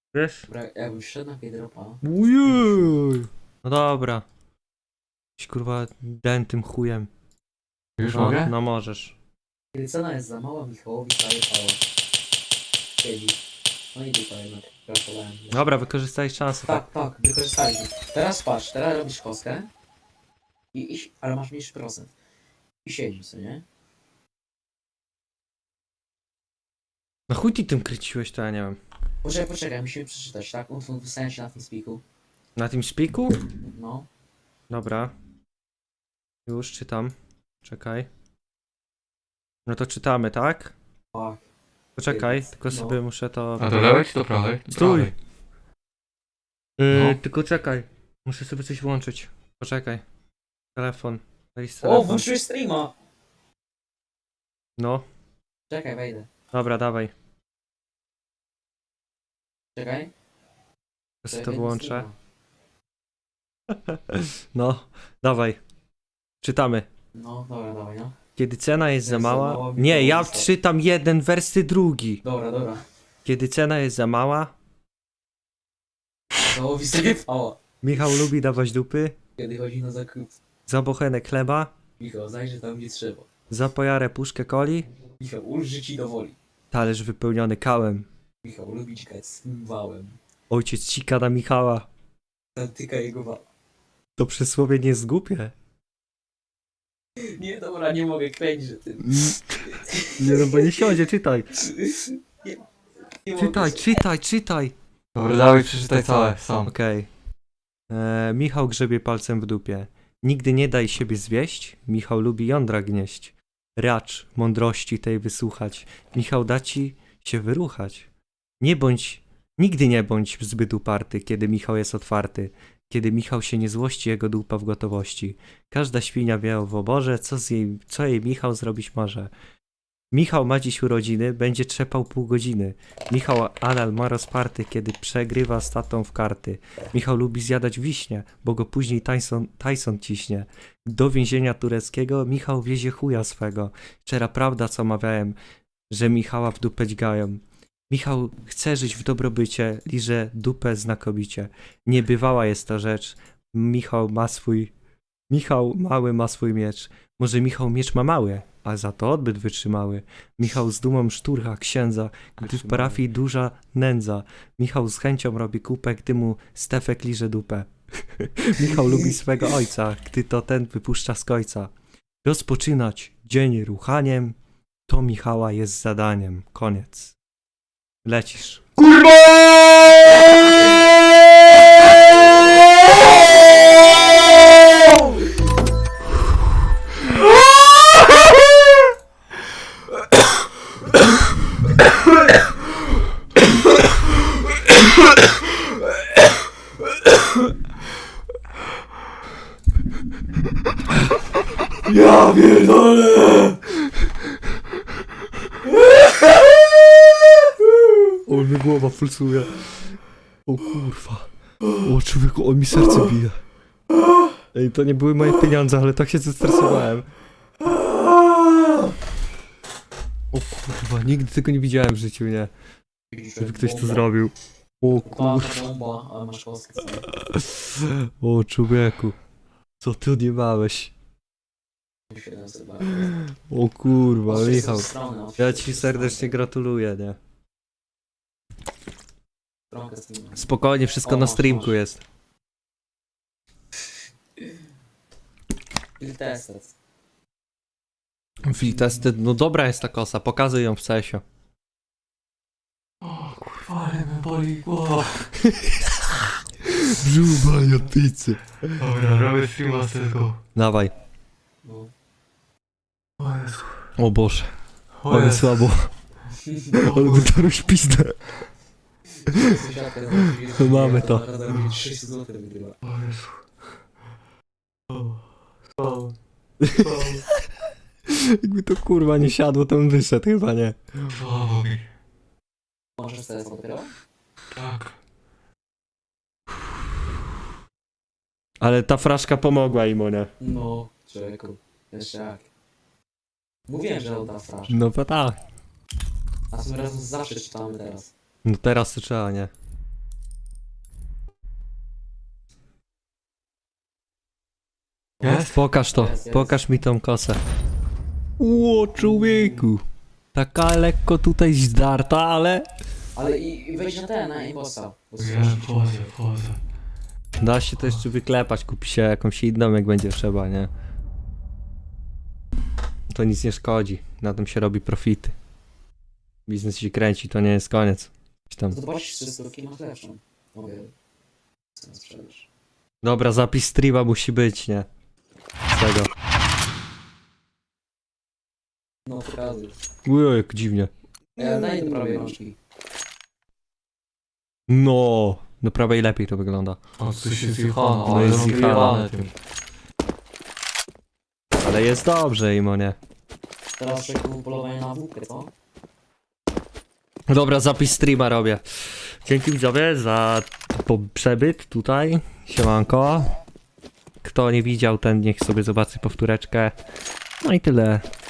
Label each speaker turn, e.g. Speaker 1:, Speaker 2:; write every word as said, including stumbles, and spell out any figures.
Speaker 1: Wiesz?
Speaker 2: Dobra, jakbym wszedł na Piedropa.
Speaker 1: Ujuj. No dobra. Jakiś kurwa den tym chujem.
Speaker 3: Już
Speaker 1: no,
Speaker 3: mogę?
Speaker 1: No możesz.
Speaker 2: Kiedy cena jest za mała, Michałowi prawie pała. Siedzi. No i dupa jednak. Gratulałem.
Speaker 1: Dobra, wykorzystaj szansę.
Speaker 2: Tak, tak, wykorzystaliśmy. Teraz patrz, teraz robisz kostkę. I iść, ale masz mniejszy procent. I siedzisz, co nie?
Speaker 1: No chuj ty tym kryciłeś, to ja nie wiem.
Speaker 2: Poczekaj, poczekaj, musimy przeczytać, tak? Utwór wystałem się na tym spiku.
Speaker 1: Na tym spiku?
Speaker 2: No.
Speaker 1: Dobra. Już czytam. Czekaj. No to czytamy, tak?
Speaker 2: Tak.
Speaker 1: Poczekaj, tylko
Speaker 2: No.
Speaker 1: sobie muszę to...
Speaker 3: A do lewej czy do prawej? Do
Speaker 1: Stój!
Speaker 3: prawej.
Speaker 1: Yy,
Speaker 3: No.
Speaker 1: Tylko czekaj. Muszę sobie coś włączyć. Poczekaj. Telefon. Weź
Speaker 2: O,
Speaker 1: telefon.
Speaker 2: włączyłeś streama!
Speaker 1: No.
Speaker 2: Czekaj, wejdę.
Speaker 1: Dobra, dawaj.
Speaker 2: Czekaj.
Speaker 1: Ja sobie
Speaker 2: Czekaj,
Speaker 1: to
Speaker 2: do
Speaker 1: wyłączę.
Speaker 2: streama.
Speaker 1: No, dawaj. Czytamy.
Speaker 2: No, dobra, dawaj, no.
Speaker 1: Kiedy cena jest za
Speaker 2: Jest za
Speaker 1: mała...
Speaker 2: mała,
Speaker 1: Nie, ja
Speaker 2: Michałowi stał.
Speaker 1: czytam jeden, wersy drugi.
Speaker 2: Dobra, dobra.
Speaker 1: Kiedy cena jest za mała,
Speaker 2: Michałowi sobie pała.
Speaker 1: Michał lubi dawać dupy,
Speaker 2: Kiedy chodzi na zakup.
Speaker 1: za bochenek chleba,
Speaker 2: Michał, zajrzy tam gdzie trzeba.
Speaker 1: za pojarę puszkę coli,
Speaker 2: Michał, ulży ci do woli.
Speaker 1: talerz wypełniony kałem.
Speaker 2: Michał, lubi cikać z tym wałem.
Speaker 1: Ojciec cika na Michała.
Speaker 2: Zatyka jego wał.
Speaker 1: To przysłowie nie jest głupie.
Speaker 2: Nie, dobra, nie mogę kręcić, że ty...
Speaker 1: Nie no, bo nie siądzie, czytaj.
Speaker 2: Nie, nie
Speaker 1: Czytaj,
Speaker 2: mogę.
Speaker 1: czytaj, czytaj.
Speaker 3: Dobra, dawaj przeczytaj całe, sam.
Speaker 1: Okej. Eee, Michał grzebie palcem w dupie. Nigdy nie daj siebie zwieść, Michał lubi jądra gnieść. Racz mądrości tej wysłuchać, Michał da ci się wyruchać. Nie bądź, nigdy nie bądź zbyt uparty, kiedy Michał jest otwarty. Kiedy Michał się nie złości, jego dupa w gotowości. Każda świnia wie w oborze, co, z jej, co jej Michał zrobić może. Michał ma dziś urodziny, będzie trzepał pół godziny. Michał anal ma rozparty, kiedy przegrywa z tatą w karty. Michał lubi zjadać wiśnie, bo go później Tyson, Tyson ciśnie. Do więzienia tureckiego Michał wiezie chuja swego. Szczera prawda, co mawiałem, że Michała w dupę dźgają. Michał chce żyć w dobrobycie, liże dupę znakomicie. Niebywała jest ta rzecz. Michał ma swój... Michał mały ma swój miecz. Może Michał miecz ma mały, a za to odbyt wytrzymały. Michał z dumą szturcha księdza, gdy w parafii duża nędza. Michał z chęcią robi kupę, gdy mu Stefek liże dupę. Michał lubi swego ojca, gdy to ten wypuszcza z kojca. Rozpoczynać dzień ruchaniem, to Michała jest zadaniem. Koniec. Lecisz.
Speaker 3: Ja pierdolę!
Speaker 1: O, mi głowa pulsuje. O kurwa. O człowieku, o mi serce bije. Ej, to nie były moje pieniądze, ale tak się zestresowałem. O kurwa, nigdy tego nie widziałem w życiu, nie? Żeby ktoś to zrobił. O kurwa.
Speaker 2: Bomba, bomba, ale masz kostkę.
Speaker 1: O człowieku. Co ty odjebałeś? O kurwa, Michał. Ja ci serdecznie gratuluję, nie? Spokojnie, wszystko
Speaker 2: O,
Speaker 1: na
Speaker 2: masz,
Speaker 1: streamku
Speaker 2: masz.
Speaker 1: jest.
Speaker 2: Filtestet.
Speaker 1: Filtested, no dobra jest ta kosa, pokazuj ją w cesie.
Speaker 3: O kurwa, ale mnie boli głowa.
Speaker 1: Brzuch od pizzy.
Speaker 3: Dobra, robię streama z tego.
Speaker 1: Dawaj.
Speaker 2: No.
Speaker 3: O Jezu.
Speaker 1: O Boże,
Speaker 3: O
Speaker 1: ale
Speaker 3: Jezu.
Speaker 1: słabo. Ale by to już pizdę. Mamy to.
Speaker 2: sześć złotych wygrywa.
Speaker 3: O Jezu. O. Spał. Spał.
Speaker 1: Jakby to kurwa nie siadło, to bym wyszedł chyba, nie?
Speaker 3: Słabo mi.
Speaker 2: Możesz teraz dopiero?
Speaker 3: Tak.
Speaker 1: Ale ta fraszka pomogła im, nie?
Speaker 2: No, człowieku. Jeszcze jak. Mówiłem, że odda frasz.
Speaker 1: No to tak.
Speaker 2: A tym razem zawsze czytamy teraz.
Speaker 1: No teraz to trzeba, nie?
Speaker 3: Jest?
Speaker 1: Pokaż to,
Speaker 2: Jest, jest.
Speaker 1: pokaż mi tą kosę. Ło, człowieku. Taka lekko tutaj zdarta, ale
Speaker 2: Ale i, i wejdź na ten, na imposta. Bo
Speaker 3: Ja wchodzę, wchodzę.
Speaker 1: da się to jeszcze wyklepać, kupi się jakąś inną, jak będzie trzeba, nie? To nic nie szkodzi, na tym się robi profity. Biznes się kręci, to nie jest koniec. Gdzieś tam.
Speaker 2: To zobaczysz trzysta masz lepszą. Mogę. Co na sprzedaż?
Speaker 1: Dobra, zapis streama musi być, nie? Z tego.
Speaker 2: No pokazuj.
Speaker 1: Ujoj, jak dziwnie.
Speaker 2: Ja daj do prawej rączki.
Speaker 1: No, do prawej lepiej to wygląda.
Speaker 3: O, tu się zjechano,
Speaker 1: No
Speaker 3: ale
Speaker 1: jest
Speaker 3: mam
Speaker 1: zjechane.
Speaker 3: wyjebane tym.
Speaker 1: Ale jest dobrze, Imonie.
Speaker 2: Teraz czekuję polowanie na włókę, co?
Speaker 1: Dobra, zapis streama robię. Dzięki widzowie za po przebyt tutaj. Siemanko. Kto nie widział, ten niech sobie zobaczy powtóreczkę. No i tyle.